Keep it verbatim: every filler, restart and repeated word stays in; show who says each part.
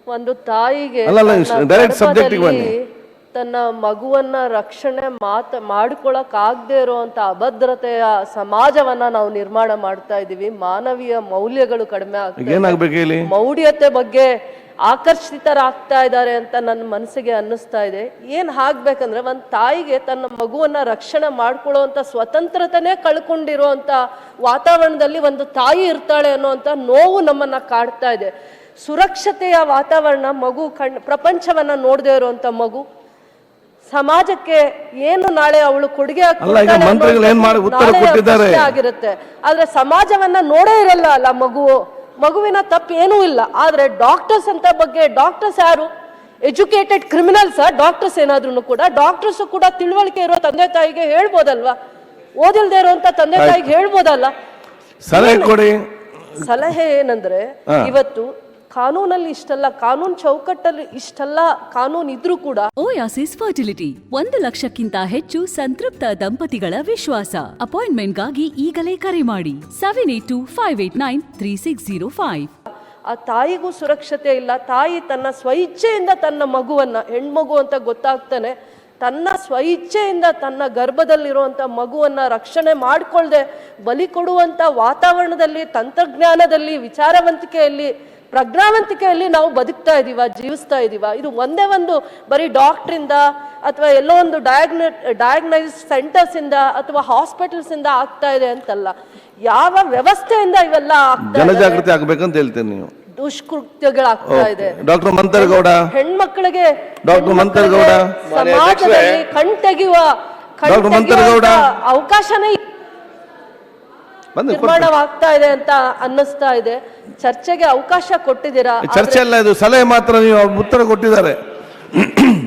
Speaker 1: ಒಂದು ತಾಯಿಗೆ
Speaker 2: direct subject ಬನ್ನಿ.
Speaker 1: ತನ್ನ ಮಗುವನ್ನ ರಕ್ಷಣೆ ಮಾತ ಮಾಡ್ಕೊಳಕ್ ಆಗದೆ ಇರುವಂತ ಅಭದ್ರತೆಯ ಸಮಾಜವನ್ನ ನಾವು ನಿರ್ಮಾಣ ಮಾಡ್ತಾ ಇದೀವಿ. ಮಾನವೀಯ ಮೌಲ್ಯಗಳು ಕಡಿಮೆ ಆಗ್ತದೆ, ಮೌಢ್ಯತೆ ಬಗ್ಗೆ ಆಕರ್ಷಿತರಾಗ್ತಾ ಇದ್ದಾರೆ ಅಂತ ನನ್ನ ಮನಸ್ಸಿಗೆ ಅನ್ನಿಸ್ತಾ ಇದೆ. ಏನ್ ಆಗ್ಬೇಕಂದ್ರೆ ಒಂದ್ ತಾಯಿಗೆ ತನ್ನ ಮಗುವನ್ನ ರಕ್ಷಣೆ ಮಾಡ್ಕೊಳ್ಳುವಂತ ಸ್ವತಂತ್ರತೆನೇ ಕಳ್ಕೊಂಡಿರುವಂತ ವಾತಾವರಣದಲ್ಲಿ ಒಂದು ತಾಯಿ ಇರ್ತಾಳೆ ಅನ್ನುವಂತ ನೋವು ನಮ್ಮನ್ನ ಕಾಡ್ತಾ ಇದೆ. ಸುರಕ್ಷತೆಯ ವಾತಾವರಣ, ಮಗು ಕಣ್ ಪ್ರಪಂಚವನ್ನ ನೋಡದೆ ಇರುವಂತ ಮಗು ಸಮಾಜಕ್ಕೆ ಏನು ನಾಳೆ ಅವಳು ಕೊಡುಗೆ ಆಗಿರುತ್ತೆ. ಆದ್ರೆ ಸಮಾಜವನ್ನ ನೋಡೇ ಇರಲ್ಲ ಅಲ್ಲ ಮಗು. ಮಗುವಿನ ತಪ್ಪು ಏನೂ ಇಲ್ಲ. ಆದ್ರೆ ಡಾಕ್ಟರ್ಸ್ ಅಂತ ಬಗ್ಗೆ, ಡಾಕ್ಟರ್ಸ್ ಯಾರು? ಎಜುಕೇಟೆಡ್ ಕ್ರಿಮಿನಲ್ಸ್ ಡಾಕ್ಟರ್ಸ್ ಏನಾದ್ರು ಕೂಡ? ಡಾಕ್ಟರ್ಸ್ ಕೂಡ ತಿಳುವಳಿಕೆ ಇರೋ ತಂದೆ ತಾಯಿಗೆ ಹೇಳ್ಬೋದಲ್ವಾ? ಓದಿಲ್ದೇ ಇರುವಂತ ತಂದೆ ತಾಯಿಗೆ ಹೇಳ್ಬೋದಲ್ಲ?
Speaker 2: ಸಲಹೆ ಕೊಡಿ.
Speaker 1: ಸಲಹೆ ಏನಂದ್ರೆ, ಇವತ್ತು ಕಾನೂನಲ್ಲಿ ಇಷ್ಟಲ್ಲ, ಕಾನೂನು ಚೌಕಟ್ಟಲ್ಲಿ ಇಷ್ಟಲ್ಲ ಕಾನೂನು ಇದ್ರೂ ಕೂಡ
Speaker 3: ಓಯಾಸಿಸ್ ಫರ್ಟಿಲಿಟಿ ಒಂದು ಲಕ್ಷಕ್ಕಿಂತ ಹೆಚ್ಚು ಸಂತೃಪ್ತ ದಂಪತಿಗಳ ವಿಶ್ವಾಸ. ಅಪಾಯಿಂಟ್ಮೆಂಟ್ಗಾಗಿ ಈಗಲೇ ಕರೆ ಮಾಡಿ seven eight two five eight nine three six zero five.
Speaker 1: ಆ ತಾಯಿಗೂ ಸುರಕ್ಷತೆ ಇಲ್ಲ. ತಾಯಿ ತನ್ನ ಸ್ವಇಚ್ಛೆಯಿಂದ ತನ್ನ ಮಗುವನ್ನ, ಹೆಣ್ಮಗು ಅಂತ ಗೊತ್ತಾಗ್ತಾನೆ, ತನ್ನ ಸ್ವಇಚ್ಛೆಯಿಂದ ತನ್ನ ಗರ್ಭದಲ್ಲಿರುವಂಥ ಮಗುವನ್ನ ರಕ್ಷಣೆ ಮಾಡಿಕೊಳ್ಳದೆ ಬಲಿ ಕೊಡುವಂಥ ವಾತಾವರಣದಲ್ಲಿ, ತಂತ್ರಜ್ಞಾನದಲ್ಲಿ, ವಿಚಾರವಂತಿಕೆಯಲ್ಲಿ, ಪ್ರಜ್ಞಾವಂತಿಕೆಯಲ್ಲಿ ನಾವು ಬದುಕ್ತಾ ಇದೀವ, ಜೀವಿಸ್ತಾ ಇದೀವ. ಇದು ಒಂದೇ ಒಂದು ಬರೀ ಡಾಕ್ಟ್ರಿಂದ ಅಥವಾ ಎಲ್ಲೋ ಒಂದು ಡಯಾಗ್ನ ಡಯಾಗ್ನೈಸ್ ಸೆಂಟರ್ಸ್ ಇಂದ ಅಥವಾ ಹಾಸ್ಪಿಟಲ್ಸ್ ಇಂದ ಆಗ್ತಾ ಇದೆ ಅಂತಲ್ಲ, ಯಾವ ವ್ಯವಸ್ಥೆಯಿಂದ ಇವೆಲ್ಲ
Speaker 2: ಜನಜಾಗೃತಿ ಆಗ್ಬೇಕಂತ ಹೇಳ್ತೇನೆ. ನೀವು
Speaker 1: ದುಷ್ಕೃತ್ಯಗಳಾಗ್ತಾ ಇದೆ.
Speaker 2: ಡಾಕ್ಟರ್ ಮಂತರಗೌಡ
Speaker 1: ಹೆಣ್ಮಕ್ಳಿಗೆ
Speaker 2: ಡಾಕ್ಟರ್ ಮಂತರಗೌಡ
Speaker 1: ಸಮಾಜದಲ್ಲಿ ಕಣ್ತೆಗೆಯುವ ಕಣ್ತೆಗೆಯುವ ಅವಕಾಶನೇ ನಿರ್ಮಾಣವಾಗ್ತಾ ಇದೆ ಅಂತ ಅನ್ನಿಸ್ತಾ ಇದೆ. ಚರ್ಚೆಗೆ ಅವಕಾಶ ಕೊಟ್ಟಿದ್ದೀರಾ?
Speaker 2: ಚರ್ಚೆ ಅಲ್ಲ ಇದು, ಸಲಹೆ ಮಾತ್ರ. ನೀವು ಉತ್ತರ ಕೊಟ್ಟಿದ್ದಾರೆ.